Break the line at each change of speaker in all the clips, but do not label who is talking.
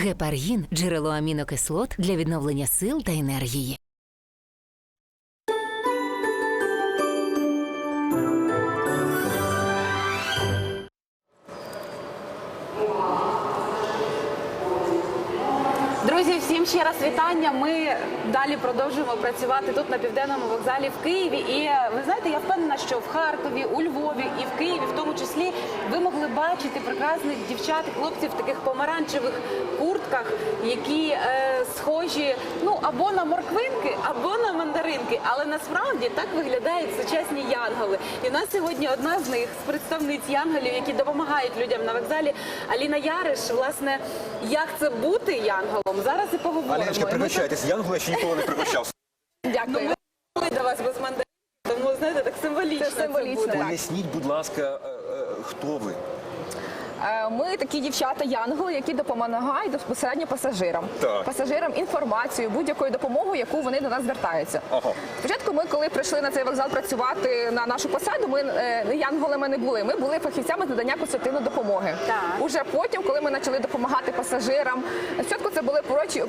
Гепаргін – джерело амінокислот для відновлення сил та енергії.
Друзі, всім ще раз вітання. Ми далі продовжуємо працювати тут на Південному вокзалі в Києві. І ви знаєте, я впевнена, що в Харкові, у Львові і в Києві, в тому числі, ви могли бачити прекрасних дівчат і хлопців в таких помаранчевих куртках, які схожі, ну, або на морквинки, або на мандаринки. Але насправді так виглядають сучасні янголи. І у нас сьогодні одна з них, з представниць янголів, які допомагають людям на вокзалі, Аліна Яриш. Власне, як це бути янголом? Зараз і поговоримо.
Аліночка, пригощайтесь. Янгола ще ніколи не пригощався.
Дякую. Ми до вас без мандарин, тому, знаєте, так символічно це буде.
Поясніть, будь ласка, хто ви?
Ми такі дівчата-янголи, які допомагають безпосередньо пасажирам.
Так.
Пасажирам інформацію, будь-якою допомогою, яку вони до нас звертаються.
Ага.
Спочатку ми, коли прийшли на цей вокзал працювати на нашу посаду, ми янголами не були. Ми були фахівцями з надання консультативної допомоги.
Так.
Уже потім, коли ми почали допомагати пасажирам, спочатку це були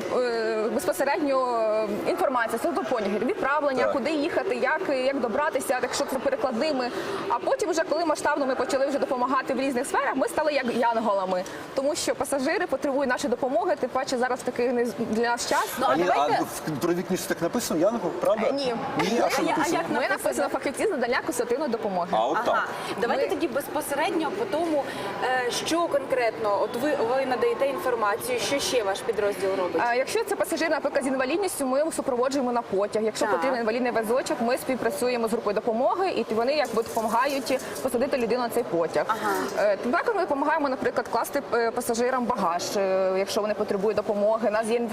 безпосередньо інформація, потяги, відправлення,
Так.
куди їхати, як добратися, якщо це перекладними. А потім, вже коли масштабно ми почали вже допомагати в різних сферах, ми стали як янголами, тому що пасажири потребують нашої допомоги, тим паче зараз такий для нас час.
Ну,
Аліна,
давайте...
а в трудовій книжці так написано, Янгол, правда?
Ні.
Ні, а що написано?
Ми написано фахівці з надання консультативної допомоги.
А, от
Ага.
так.
Давайте тоді безпосередньо по тому, що конкретно, от ви надаєте інформацію, що ще ваш підрозділ робить?
Якщо це пасажир, наприклад, з інвалідністю, ми його супроводжуємо на потяг. Якщо
Так.
потрібен інвалідний візочок, ми співпрацюємо з групою допомоги, і вони якби допомагають посадити людину на цей потяг.
Ага.
Також ми допомагаємо, наприклад, класти пасажирам багаж, якщо вони потребують допомоги. У нас є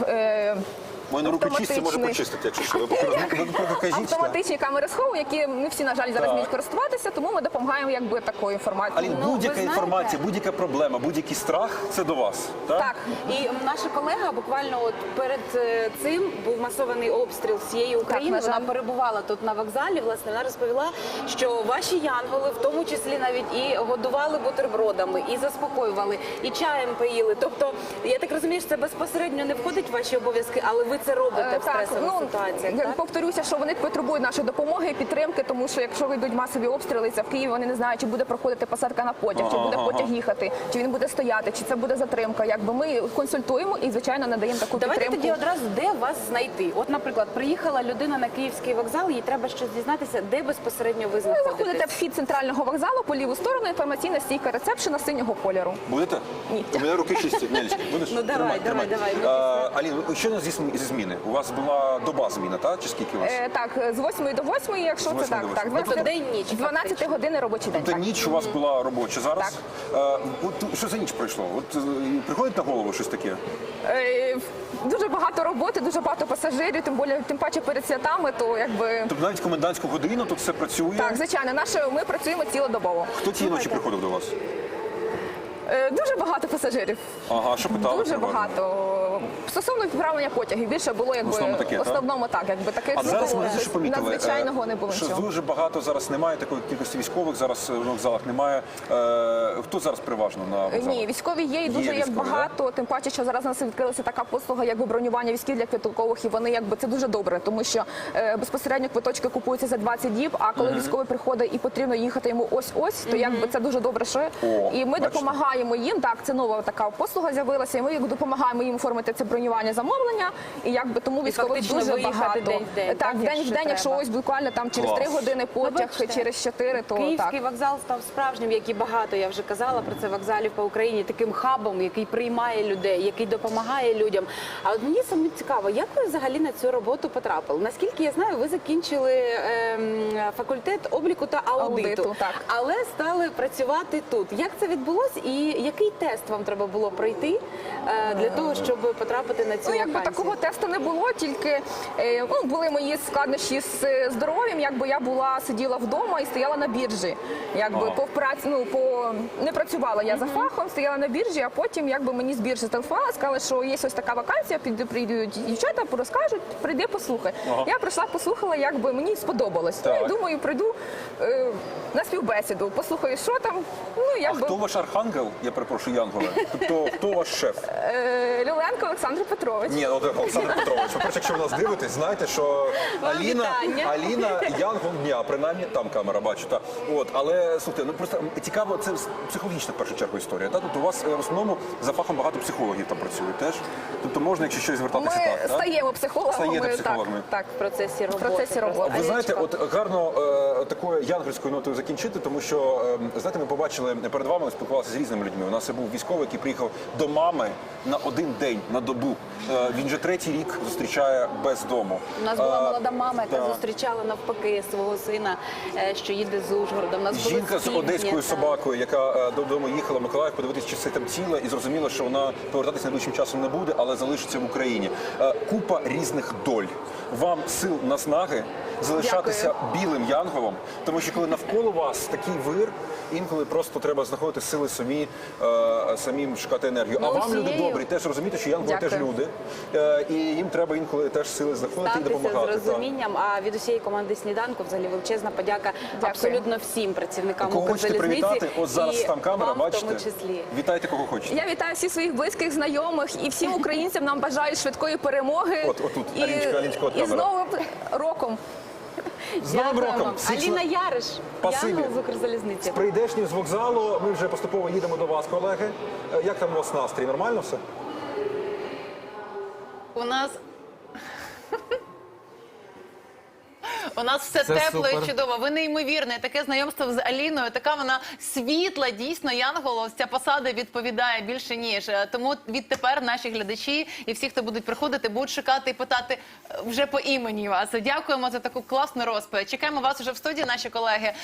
Мої руки чисті, може почистити, якщо що. Ви покажіть.
автоматичні камери схову, які не всі, на жаль, зараз вміють користуватися, тому ми допомагаємо якби такою інформацією.
Алін,
Ну,
будь-яка
ви знаєте-
інформація, будь-яка проблема, будь-який страх – це до вас, так?
Так.
І наша колега буквально от перед цим був масований обстріл всієї України.
на жаль.
Вона перебувала тут на вокзалі. Власне, вона розповіла, що ваші янголи, в тому числі навіть і годували бутербродами, і заспокоювали, і чаєм поїли. Тобто, я так розумію, що це безпосередньо не входить в ваші обов'язки, але ви це робите в стресових ситуаціях.
Я
Так?
повторюся, що вони потребують нашої допомоги і підтримки, тому що якщо йдуть масові обстріли, це в Києві, вони не знають, чи буде проходити посадка на потяг, чи буде потяг їхати, чи він буде стояти, чи це буде затримка. Якби ми консультуємо і, звичайно, надаємо таку
Давайте
підтримку.
тоді одразу, де вас знайти? От, наприклад, приїхала людина на Київський вокзал, їй треба щось дізнатися, де безпосередньо ви
Ви
знаходитесь?
заходите в вхід центрального вокзалу, по ліву сторону інформаційна стійка ресепшена синього кольору.
Будете?
Ні.
У мене руки чисті. Нелечка, будеш?
Ну, давай,
Тримай.
давай.
Алін, що у нас зі зміни? У вас була доба зміна, так? Чи скільки у вас?
Так, з 8 до 8, якщо
З
це
8
так.
до
Так,
8.
Тобто день-ніч,
12
фактично.
години робочий день.
Тобто
Так.
ніч у вас була робоча зараз? От що за ніч пройшло? От приходить на голову щось таке?
Дуже багато роботи, дуже багато пасажирів, тим паче перед святами, то якби...
Тобто навіть комендантську годину тут все працює?
Так, звичайно, ми працюємо цілодобово.
Хто цієї ночі приходив до вас?
Дуже багато пасажирів.
Ага, що питали?
Дуже
переважно?
багато. Стосовно відправлення потягів, більше було якби
В основному таке, так?
таких
А зараз ми що помітили,
надзвичайного не було
що
нічого.
дуже багато зараз немає такої кількості військових, зараз на вокзалах немає. Хто зараз переважно на вокзалах?
Ні, військові є і дуже як
військові,
багато, тим паче, що зараз у нас відкрилася така послуга, якби бронювання військів для квиткових, і вони якби це дуже добре, тому що безпосередньо квиточки купуються за 20 діб, а коли військовий приходить і потрібно їхати йому ось-ось, то якби це дуже добре, що і ми
бачите?
допомагаємо їм. Так, це нова така послуга з'явилася, і ми допомагаємо їм оформити це бронювання замовлення, і якби тому військових
фактично
дуже
виїхати
багато.
день в день,
Так, день в день, якщо
треба.
ось буквально там через
Клас.
3 години потяг,
бачите,
через 4, то
Київський
так.
вокзал став справжнім, як і багато, я вже казала про це, вокзалів по Україні, таким хабом, який приймає людей, який допомагає людям. А от мені саме цікаво, як ви взагалі на цю роботу потрапили? Наскільки я знаю, ви закінчили факультет обліку та аудиту,
так.
але стали працювати тут. Як це відбулося і який тест вам треба було пройти для того, щоб потрапити на цю
Ну, якби
вакансію?
такого тесту не було, тільки були мої складнощі з здоров'ям. Якби я сиділа вдома і стояла на біржі. Якби не працювала я за фахом, стояла на біржі, а потім мені з біржі зателефонували, сказали, що є ось така вакансія, прийдуть дівчата, розкажуть, прийди, послухай. Я прийшла, послухала, мені сподобалось.
Так.
Ну, і думаю, прийду на співбесіду, послухаю, що там. Ну,
А хто ваш архангел? Я перепрошую, Янголе. Тобто, хто ваш шеф?
Люленко Олександр Петрович.
Ні, Олександр Петрович. По-перше, якщо ви нас дивитесь, знайте, що Аліна Янгол дня, принаймні там камера, бачу. Та. Але, слухайте, просто цікаво, це психологічна в першу чергу історія. Та? Тобто у вас в основному за фахом багато психологів там працюють теж. Тобто можна, якщо щось звертатися
Ми
так.
стаємо психологами.
Стаєте психологами.
Так.
В процесі роботи.
В процесі роботи.
Ви знаєте, гарно такою янгольською нотою закінчити, тому що, знаєте, ми побачили перед вами, ми спілкувалися з різними людьми. У нас був військовий, який приїхав до мами на один день, на добу. Він вже 3-й рік зустрічає без дому.
У нас була молода мама, яка
так.
зустрічала навпаки свого сина, що їде з Ужгорода. У нас були
Жінка з
спільні,
одеською
так.
собакою, яка додому їхала в Миколаїв подивитися, чи все там ціле, і зрозуміла, що вона повертатися найближчим часом не буде, але залишиться в Україні. Купа різних доль. Вам сил, наснаги залишатися білим янголом, тому що коли навколо вас такий вир, інколи просто треба знаходити сили самим шукати енергію. А вам, люди добрі, теж розумієте, що янголи теж люди, і їм треба інколи теж сили знаходити і допомагати.
Ставтеся з розумінням, а від усієї команди «Сніданку» взагалі величезна подяка абсолютно всім працівникам
Кого хочете
Укрзалізниці.
привітати? Ось зараз
і
там камера,
вам
бачите?
в тому числі.
Вітайте, кого хочете.
Я вітаю всіх своїх близьких, знайомих і всім українцям нам бажаю швидкої перемоги.
Отут, Аліночка, от
і з
камера.
Новим роком.
З Новим
Дякуємо.
роком!
Аліна Яриш,
Спасибі.
Янгол з Укрзалізниці.
З прийдешнім з вокзалу ми вже поступово їдемо до вас, колеги. Як там у вас настрій? Нормально все?
У нас все
Це
тепло
супер.
і чудово. Ви неймовірне. Таке знайомство з Аліною. Така вона світла, дійсно, Янгол. Ця посада відповідає більше ніж. Тому відтепер наші глядачі і всі, хто будуть приходити, будуть шукати і питати вже по імені вас. Дякуємо за таку класну розповідь. Чекаємо вас уже в студії, наші колеги.